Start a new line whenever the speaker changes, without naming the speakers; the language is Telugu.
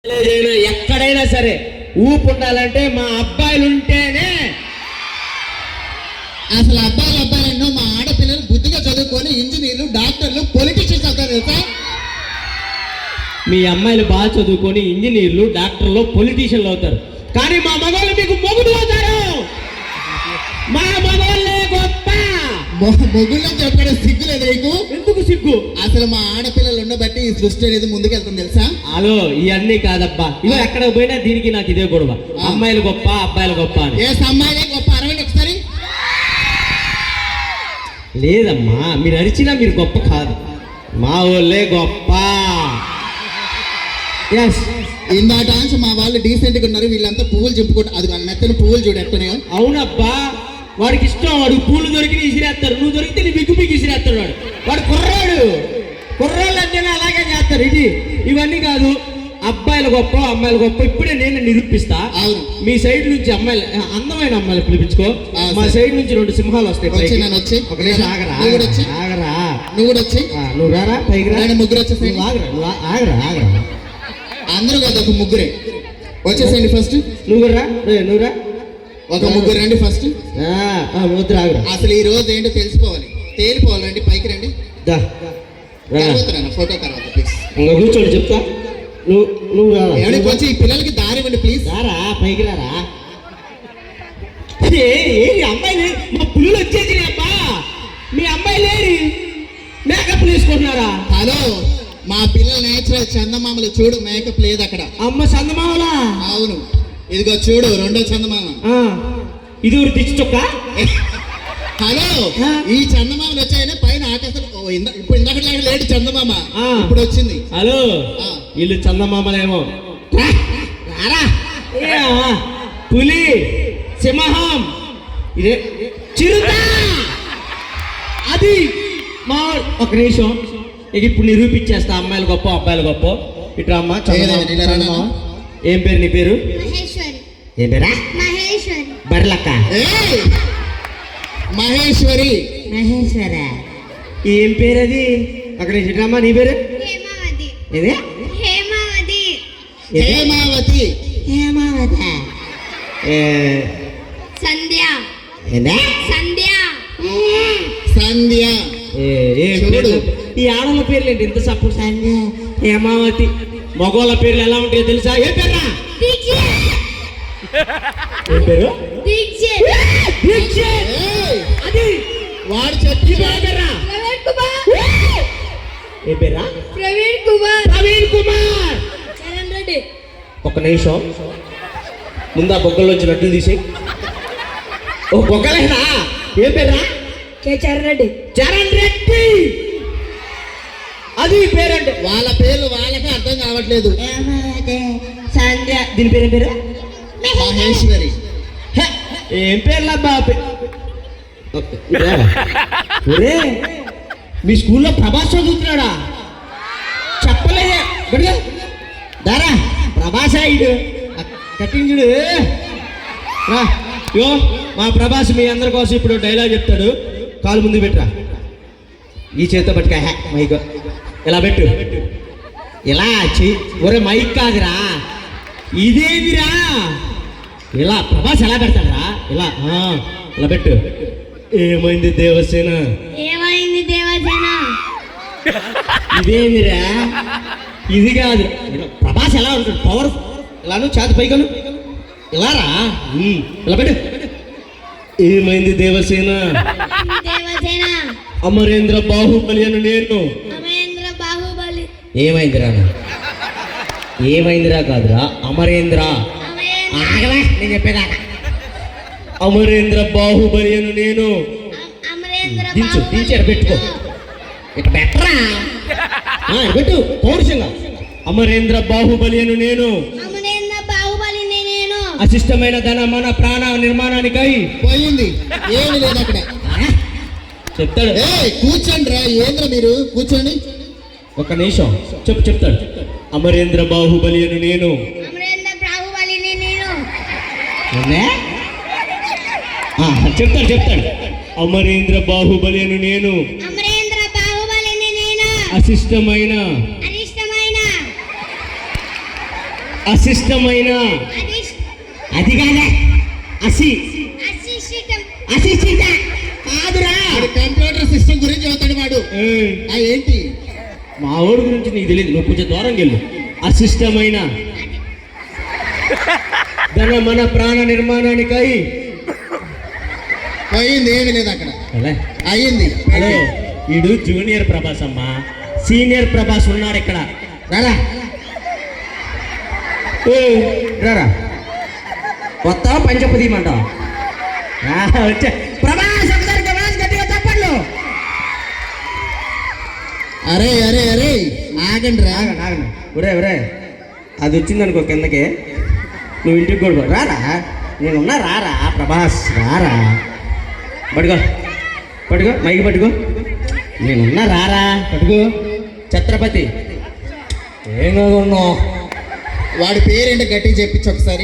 ఎక్కడైనా సరే ఊపు ఉండాలంటే మా అబ్బాయిలు ఉంటేనే.
అసలు అబ్బాయిలు మా ఆడపిల్లలు బుద్ధిగా చదువుకొని ఇంజనీర్లు, డాక్టర్లు, పొలిటీషియన్స్ అవుతారు తెలుసా?
మీ అమ్మాయిలు బాగా చదువుకొని ఇంజనీర్లు, డాక్టర్లు, పొలిటీషియన్లు అవుతారు, కానీ మా మగవాళ్ళు మీకు మొగుడు అవుతారు. మా మగవాళ్ళే గొప్ప.
మొగుళ్ళని చెప్పడం సిగ్గు లేదు నీకు?
ఎందుకు సిగ్గు?
అసలు మా ఆడపిల్లలు ఉండబట్టి ఈ సృష్టి అనేది ముందుకెళ్తుంది తెలుసా?
హలో, ఇవన్నీ కాదబ్బా. ఇవి ఎక్కడ పోయినా దీనికి నాకు ఇదే గొడవ. అమ్మాయిలు గొప్ప, అబ్బాయిలు గొప్ప అని.
ఏ అమ్మాయిలే గొప్ప? అరవండి ఒకసారి.
లేదమ్మా, మీరు అరిచినా మీరు గొప్ప కాదు, మా వాళ్ళే గొప్ప.
ఇందాట నుంచి మా వాళ్ళు డీసెంట్గా ఉన్నారు, వీళ్ళంతా పువ్వులు చెప్పుకుంటారు. అది మెత్తని పువ్వులు చూడట్టున్నాయో.
అవునబ్బా, వాడికి ఇష్టం. వాడు పూలు దొరికి విసిరేస్తారు, నువ్వు దొరికితే నీ బిగ్గు బిగ్గు విసిరేస్తాడు. వాడు కుర్రాళ్ళు అంటేనే అలాగే చేస్తారు. ఇవన్నీ కాదు. అబ్బాయిలు గొప్ప, అమ్మాయిలు గొప్ప. ఇప్పుడే నేను నిరూపిస్తా. మీ సైడ్ నుంచి అమ్మాయిలు, అందమైన అమ్మాయిలు పిలిపించుకో. మా సైడ్ నుంచి 2 సింహాలు వస్తాయి. ఒక నిమిషం ఆగరా.
నువ్వు వచ్చి
నువ్వు రారా పైకి రా.
ముగ్గురు వచ్చేసి
ఆగరా.
అందరూ కాదు, ఒక ముగ్గురే వచ్చేసేయండి. ఫస్ట్
నువ్వు రా.
ఒక ముగ్గురు రండి ఫస్ట్.
వద్దు ఆగరా.
అసలు ఈ రోజు ఏంటో తేలిపోవాలి. రండి పైకి రండి. ఫోటో తర్వాత ప్లీజ్.
ఇంకా కూర్చోండి చెప్తా. నువ్వు
కొంచెం ఈ పిల్లలకి దారి ఇవ్వండి ప్లీజ్.
రారా పైకి రారా. అమ్మాయిలు మా పుల్లు వచ్చేసి అబ్బా. మీ అమ్మాయిలే మేకప్ వేసుకుంటున్నారా?
హలో, మా పిల్లల నేచురల్ చందమామలు చూడు, మేకప్ లేదు అక్కడ.
అమ్మ చందమామలా?
అవును, ఇదిగో చూడు, 2వ చందమామ.
ఇది ఊరు దిచ్చు చొక్క.
హలో, ఈ చందమామలు వచ్చాయని పైన ఆకాశం. ఇప్పుడు ఇందాక లేడు చందమామ, ఇప్పుడు వచ్చింది.
హలో, వీళ్ళు చందమామలేమో. పులి, సింహం, ఇదే చిరుత. అది మా ఒక నిమిషం. ఇప్పుడు నిరూపించేస్తా అమ్మాయిలు గొప్ప, అబ్బాయిలు గొప్ప. ఇట్లా అమ్మ. ఏం పేరు నీ పేరు? ఏం పేరా? బర్లక్క.
మహేశ్వరి.
ఏం పేరు అది? అక్కడ ఇట్లమ్మా. నీ పేరు?
హేమావతి. సంధ్య. ఈ
ఆడల పేర్లు ఏంటి ఇంత సపోర్ట్? సంధ్య, హేమావతి. మగవాళ్ళ పేర్లు ఎలా ఉంటాయో తెలుసా? ఏ పేరా? ఏం పేరు? అది
వాడు చెప్పి
పేరా? ఏ పేరా?
ప్రవీణ్ కుమార్.
ఒక నిమిషం. ముందు ఆ బొగ్గల్లో వచ్చి నట్టులు తీసి. ఓ బొగ్గలేనా? ఏం పేరా?
చరణ్ రెడ్డి.
అది పేరంటే.
వాళ్ళ పేర్లు వాళ్ళకే అర్థం కావట్లేదు.
సంధ్య. దీని పేరు ఏం పేరు?
మహేశ్వరి.
ఏం పేర్లా బాబు? మీ స్కూల్లో ప్రభాస్ చదువుతున్నాడా? చెప్పలేదే. దారా ప్రభాస్ ఇడు కట్టించుడు. యో, మా ప్రభాస్ మీ అందరి కోసం ఇప్పుడు డైలాగ్ చెప్తాడు. కాలు ముందు పెట్టరా. ఈ చేతితో పట్టుక మైక్ ఇలా పెట్టు. ఇలా ఒరే మైక్ కాదురా, ఇదేమిరా? ఇలా ప్రభాస్ ఎలా పెడతాడరా? ఇలా ఇలా పెట్టు. ఏమైంది దేవసేన? ఇదేమిరా? ఇది కాదు. ప్రభాస్ ఎలా ఉంటాడు? పవర్. ఇలాను చేతి పైకను ఇలా రా. ఇలా పెట్టు. ఏమైంది దేవసేన? అమరేంద్ర బాహుబలి అని నేను. ఏమైందిరా కాదురా, అమరేంద్ర. నేను చెప్పేదాకా. అమరేంద్ర బాహుబలి అని నేను. దించాడు పెట్టుకో. ఇక బెటరా పెట్టు పౌరుషంగా. అమరేంద్ర బాహుబలి అని నేను. అశిష్టమైన ధన మన ప్రాణ నిర్మాణానికై
పోయింది. ఏమి లేదు అక్కడ.
చెప్తాడు.
కూర్చోండి రా. ఏంద్ర మీరు కూర్చోండి.
ఒక నిమిషం చెప్తాడు. అమరేంద్ర బాహుబలి అని నేను. చెప్తాడు. అమరేంద్ర బాహుబలి అని నేను. అశిష్టమైన అశిష్టమైన అది కాదా అసి అశిష్ట కాదురా.
వాడు కంప్యూటర్ సిస్టమ్ గురించి చదువుతాడు వాడు. ఆ ఏంటి
మా ఊడి గురించి నీకు తెలియదు, నువ్వు కొంచెం దూరం వెళ్ళు. అశిష్టమైన ధన మన ప్రాణ నిర్మాణానికై
పోయింది, ఏమీ లేదు అక్కడ.
అలా
అయ్యింది.
హలో, వీడు జూనియర్ ప్రభాస్ అమ్మా, సీనియర్ ప్రభాస్ ఉన్నాడు ఇక్కడ. రారా రారా, కొత్త పంచపు తీయమంటావు. వచ్చా ప్రభాస్, ఒకసారి ప్రభాస్ గట్టిగా తప్పట్లు.
అరే అరే అరే ఆగండి రా.
ఆగండి ఆగండి, ఒరే ఒరే, అది వచ్చిందనుకో కిందకి, నువ్వు ఇంటికి కూడా రారా. నేనున్నా, రారా ప్రభాస్, రారా. పట్టుకో పట్టుకో, మైకి పట్టుకో. నేనున్నా, రారా పట్టుకో. ఛత్రపతి ఏం ఉన్నావు?
వాడి పేరేంటో గట్టిగా చెప్పించు ఒకసారి.